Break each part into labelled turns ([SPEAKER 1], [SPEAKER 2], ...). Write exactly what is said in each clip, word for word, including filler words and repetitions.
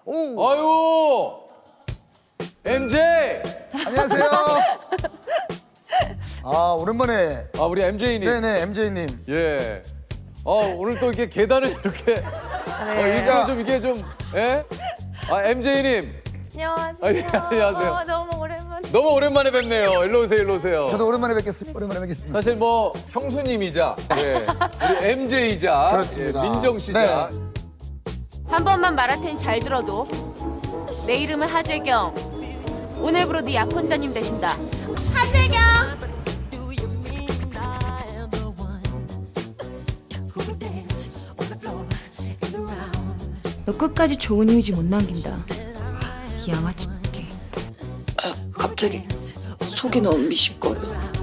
[SPEAKER 1] 오.
[SPEAKER 2] 아유, 엠제이.
[SPEAKER 1] 안녕하세요. 아, 오랜만에.
[SPEAKER 2] 아, 우리 엠제이님.
[SPEAKER 1] 네네, 엠제이님.
[SPEAKER 2] 예. 어, 오늘 또 이렇게 계단을 이렇게. 어, 이거 좀 이게 좀, 예? 아, 엠제이님.
[SPEAKER 3] 안녕하세요.
[SPEAKER 2] 아, 예, 안녕하세요.
[SPEAKER 3] 어, 너무 오랜만에.
[SPEAKER 2] 너무 오랜만에 뵙네요. 일로 오세요, 일로 오세요.
[SPEAKER 1] 저도 오랜만에 뵙겠습니다. 오랜만에 뵙겠습니다.
[SPEAKER 2] 사실 뭐 형수님이자 예, 우리 엠제이자
[SPEAKER 1] 그렇습니다.
[SPEAKER 2] 예, 민정 씨자
[SPEAKER 1] 네.
[SPEAKER 4] 한 번만 말할 테니 잘 들어도. 내 이름은 하재경. 오늘부로 네 약혼자님 되신다. 하재경!
[SPEAKER 5] 너 끝까지 좋은 이미지 못 남긴다. 이 양아치 새끼.
[SPEAKER 6] 갑자기 속이 너무 미식거려.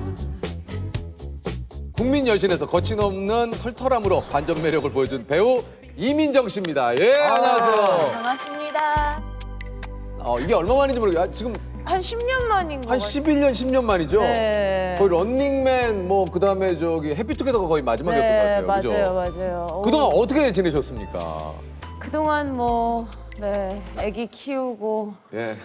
[SPEAKER 2] 국민 여신에서 거침없는 털털함으로 반전 매력을 보여준 배우 이민정 씨입니다. 예, 안녕하세요.
[SPEAKER 3] 반갑습니다.
[SPEAKER 2] 어, 이게 얼마 만인지 모르겠어요. 아, 지금
[SPEAKER 3] 한 십 년 만인 것
[SPEAKER 2] 한
[SPEAKER 3] 같아요.
[SPEAKER 2] 십일 년, 십 년 만이죠?
[SPEAKER 3] 네.
[SPEAKER 2] 거의 런닝맨, 뭐, 그 다음에 저기 해피투게더가 거의 마지막이었던
[SPEAKER 3] 네,
[SPEAKER 2] 것 같아요.
[SPEAKER 3] 맞아요,
[SPEAKER 2] 그죠?
[SPEAKER 3] 맞아요.
[SPEAKER 2] 그동안
[SPEAKER 3] 오,
[SPEAKER 2] 어떻게 지내셨습니까?
[SPEAKER 3] 그동안 뭐, 네, 아기 키우고.
[SPEAKER 2] 예.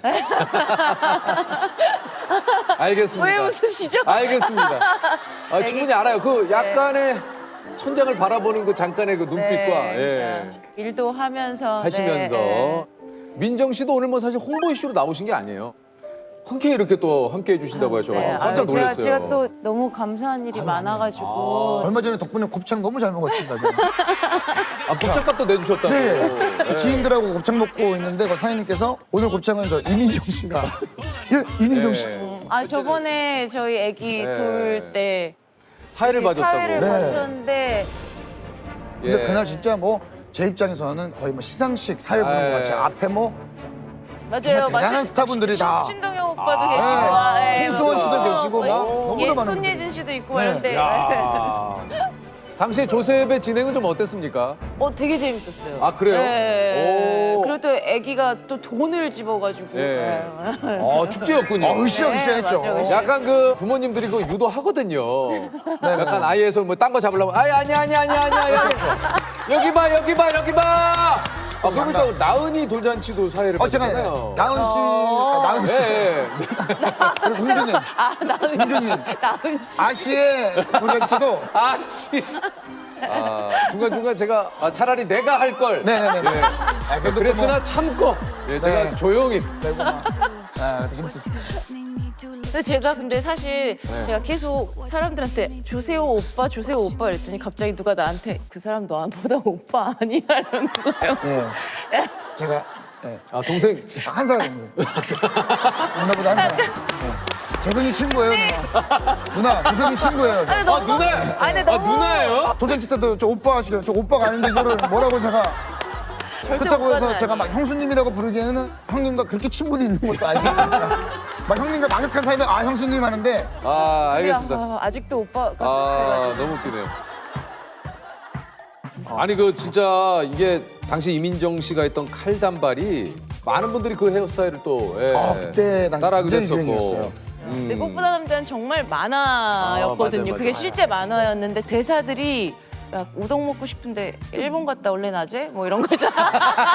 [SPEAKER 2] 알겠습니다.
[SPEAKER 3] 왜 웃으시죠?
[SPEAKER 2] 알겠습니다. 아, 충분히 알아요. 그 약간의 천장을 바라보는 그 잠깐의 그 눈빛과
[SPEAKER 3] 네,
[SPEAKER 2] 예.
[SPEAKER 3] 네. 일도 하면서.
[SPEAKER 2] 하시면서
[SPEAKER 3] 네,
[SPEAKER 2] 민정 씨도 오늘 뭐 사실 홍보 이슈로 나오신 게 아니에요. 흔쾌히 이렇게 또 함께 해주신다고 하셔가지고
[SPEAKER 3] 네.
[SPEAKER 2] 깜짝
[SPEAKER 3] 아유,
[SPEAKER 2] 놀랐어요.
[SPEAKER 3] 제가, 제가 또 너무 감사한 일이 많아가지고.
[SPEAKER 1] 얼마 전에 덕분에 곱창 너무 잘 먹었습니다. 저는.
[SPEAKER 2] 아, 곱창값도 내주셨다고.
[SPEAKER 1] 네. 저 지인들하고 곱창 먹고 있는데 그 사장님께서 오늘 곱창은 저 이민정 씨가. 예, 이민정 씨.
[SPEAKER 2] 네.
[SPEAKER 3] 아, 저번에 저희 아기
[SPEAKER 2] 네.
[SPEAKER 3] 돌 때.
[SPEAKER 2] 사회를 봐줬다고.
[SPEAKER 3] 사회를
[SPEAKER 1] 네.
[SPEAKER 3] 봐줬는데.
[SPEAKER 1] 근데
[SPEAKER 2] 예.
[SPEAKER 1] 그날 진짜 뭐 제 입장에서는 거의 뭐 시상식 사회 보는 것 같이
[SPEAKER 2] 아,
[SPEAKER 1] 앞에 뭐
[SPEAKER 3] 맞아요.
[SPEAKER 1] 대단한
[SPEAKER 3] 맞아요.
[SPEAKER 1] 스타분들이
[SPEAKER 3] 신-
[SPEAKER 1] 다.
[SPEAKER 3] 신동엽 오빠도
[SPEAKER 2] 아,
[SPEAKER 3] 계시고,
[SPEAKER 1] 네.
[SPEAKER 3] 아, 예,
[SPEAKER 1] 홍수원 씨도
[SPEAKER 3] 맞아요.
[SPEAKER 1] 계시고 막
[SPEAKER 3] 예,
[SPEAKER 1] 너무나
[SPEAKER 3] 예,
[SPEAKER 1] 많은
[SPEAKER 3] 손예진 씨도 있고
[SPEAKER 1] 네.
[SPEAKER 3] 이런데
[SPEAKER 2] 야. 당시에 조셉의 진행은 좀 어땠습니까?
[SPEAKER 3] 어 되게 재밌었어요.
[SPEAKER 2] 아, 그래요?
[SPEAKER 3] 네.
[SPEAKER 2] 오.
[SPEAKER 3] 그리고 또 아기가 또 돈을 집어가지고.
[SPEAKER 2] 네.
[SPEAKER 3] 네.
[SPEAKER 2] 어, 축제였군요.
[SPEAKER 1] 어, 으쌰으쌰했죠.
[SPEAKER 3] 네, 맞아요, 으쌰.
[SPEAKER 2] 약간 그 부모님들이 그 유도하거든요. 약간 아이에서 뭐 딴 거 잡으려면 아니 아니 아니 아니 아니 아니 여기 봐 여기 봐 여기 봐. 아 그러니까 나은이 돌잔치도 사회를
[SPEAKER 1] 어, 제가
[SPEAKER 2] 봤잖아요.
[SPEAKER 1] 나은 씨, 아, 나은 씨.
[SPEAKER 2] 예, 예.
[SPEAKER 1] 그리고 홍준님.
[SPEAKER 3] 아 나은 씨,
[SPEAKER 1] 홍준님.
[SPEAKER 3] 나은 씨.
[SPEAKER 1] 아씨의 돌잔치도.
[SPEAKER 2] 아씨. 아 중간 중간 제가 아, 차라리 내가 할 걸.
[SPEAKER 1] 네네네. 아, 그래도
[SPEAKER 2] 그랬으나 참고 예, 제가
[SPEAKER 1] 네.
[SPEAKER 2] 조용히.
[SPEAKER 1] 또 뭐, 아, 재밌었습니다.
[SPEAKER 3] 근데 제가 근데 사실
[SPEAKER 2] 네.
[SPEAKER 3] 제가 계속 사람들한테 조세호 오빠, 조세호 오빠 이랬더니 갑자기 누가 나한테 그 사람 너보다 오빠 아니야 이러는 거예요.
[SPEAKER 1] 예. 제가 예.
[SPEAKER 2] 아 동생.
[SPEAKER 1] 한 살. 누나보다 한 살. 예. 재성이 친구예요, 누나. 누나, 재성이 친구예요. 저.
[SPEAKER 3] 아니,
[SPEAKER 2] 아
[SPEAKER 3] 너무-
[SPEAKER 2] 누나.
[SPEAKER 3] 아니, 근데
[SPEAKER 2] 아
[SPEAKER 3] 너무-
[SPEAKER 2] 누나예요?
[SPEAKER 1] 도전치 때도 저 오빠 하시길래 저 오빠가 아닌데 이거를 뭐라고 제가
[SPEAKER 3] 절대
[SPEAKER 1] 그렇다고
[SPEAKER 3] 오빠는
[SPEAKER 1] 해서 제가 막
[SPEAKER 3] 아니에요.
[SPEAKER 1] 형수님이라고 부르기에는 형님과 그렇게 친분이 있는 것도 아니니까 막 형님과 막역한 사이면 아 형수님 하는데
[SPEAKER 2] 아 알겠습니다.
[SPEAKER 3] 아, 아직도 오빠가
[SPEAKER 2] 아 너무 웃기네요. 아니 그 진짜 이게 당시 이민정 씨가 했던 칼단발이 많은 분들이 그 헤어스타일을 또 예,
[SPEAKER 1] 아, 그때 당시
[SPEAKER 2] 따라하기도
[SPEAKER 1] 굉장히
[SPEAKER 2] 했었고.
[SPEAKER 1] 유행이었어요.
[SPEAKER 2] 음.
[SPEAKER 3] 근데 꽃보다 남자는 정말 만화였거든요.
[SPEAKER 2] 아, 맞아요,
[SPEAKER 3] 그게
[SPEAKER 2] 맞아요.
[SPEAKER 3] 실제 만화였는데 대사들이 야 우동 먹고 싶은데 일본 갔다 올래 낮에? 뭐 이런 거잖아.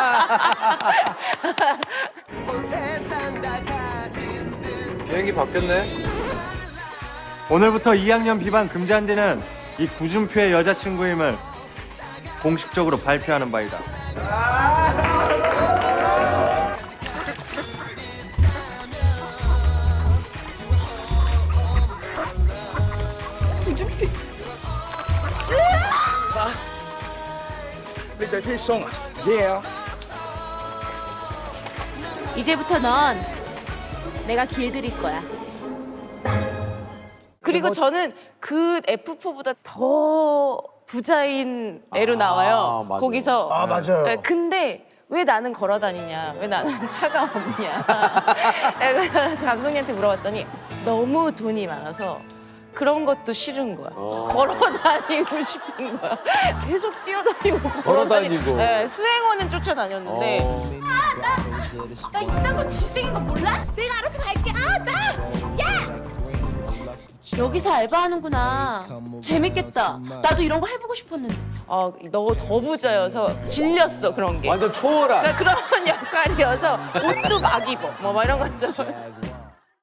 [SPEAKER 2] 비행기 바뀌었네.
[SPEAKER 7] 오늘부터 이 학년 비반 금지한다는 이 구준표의 여자친구임을 공식적으로 발표하는 바이다.
[SPEAKER 4] 이제부터 넌 내가 기회 드릴 거야.
[SPEAKER 3] 그리고 저는 그 에프포보다 더 부자인 애로
[SPEAKER 2] 아,
[SPEAKER 3] 나와요.
[SPEAKER 2] 맞아요.
[SPEAKER 3] 거기서.
[SPEAKER 1] 아 맞아요.
[SPEAKER 3] 네, 근데 왜 나는 걸어 다니냐? 왜 나는 차가 없냐? 내가 감독님한테 물어봤더니 너무 돈이 많아서 그런 것도 싫은 거야.
[SPEAKER 2] 어.
[SPEAKER 3] 걸어 다니고 싶은 거야. 계속 뛰어다니고 걸어
[SPEAKER 2] 다니고.
[SPEAKER 3] 다니고. 네, 수행원은 쫓아다녔는데
[SPEAKER 2] 어.
[SPEAKER 4] 나 이딴 거 질색인 거 몰라? 내가 알아서 갈게. 아, 나! 야! 여기서 알바하는구나. 재밌겠다. 나도 이런 거 해보고 싶었는데.
[SPEAKER 3] 어, 너 더 부자여서 질렸어 그런 게.
[SPEAKER 2] 완전 초월한.
[SPEAKER 3] 그러니까 그런 역할이어서 옷도 막 입어. 뭐, 막 이런 거 있죠.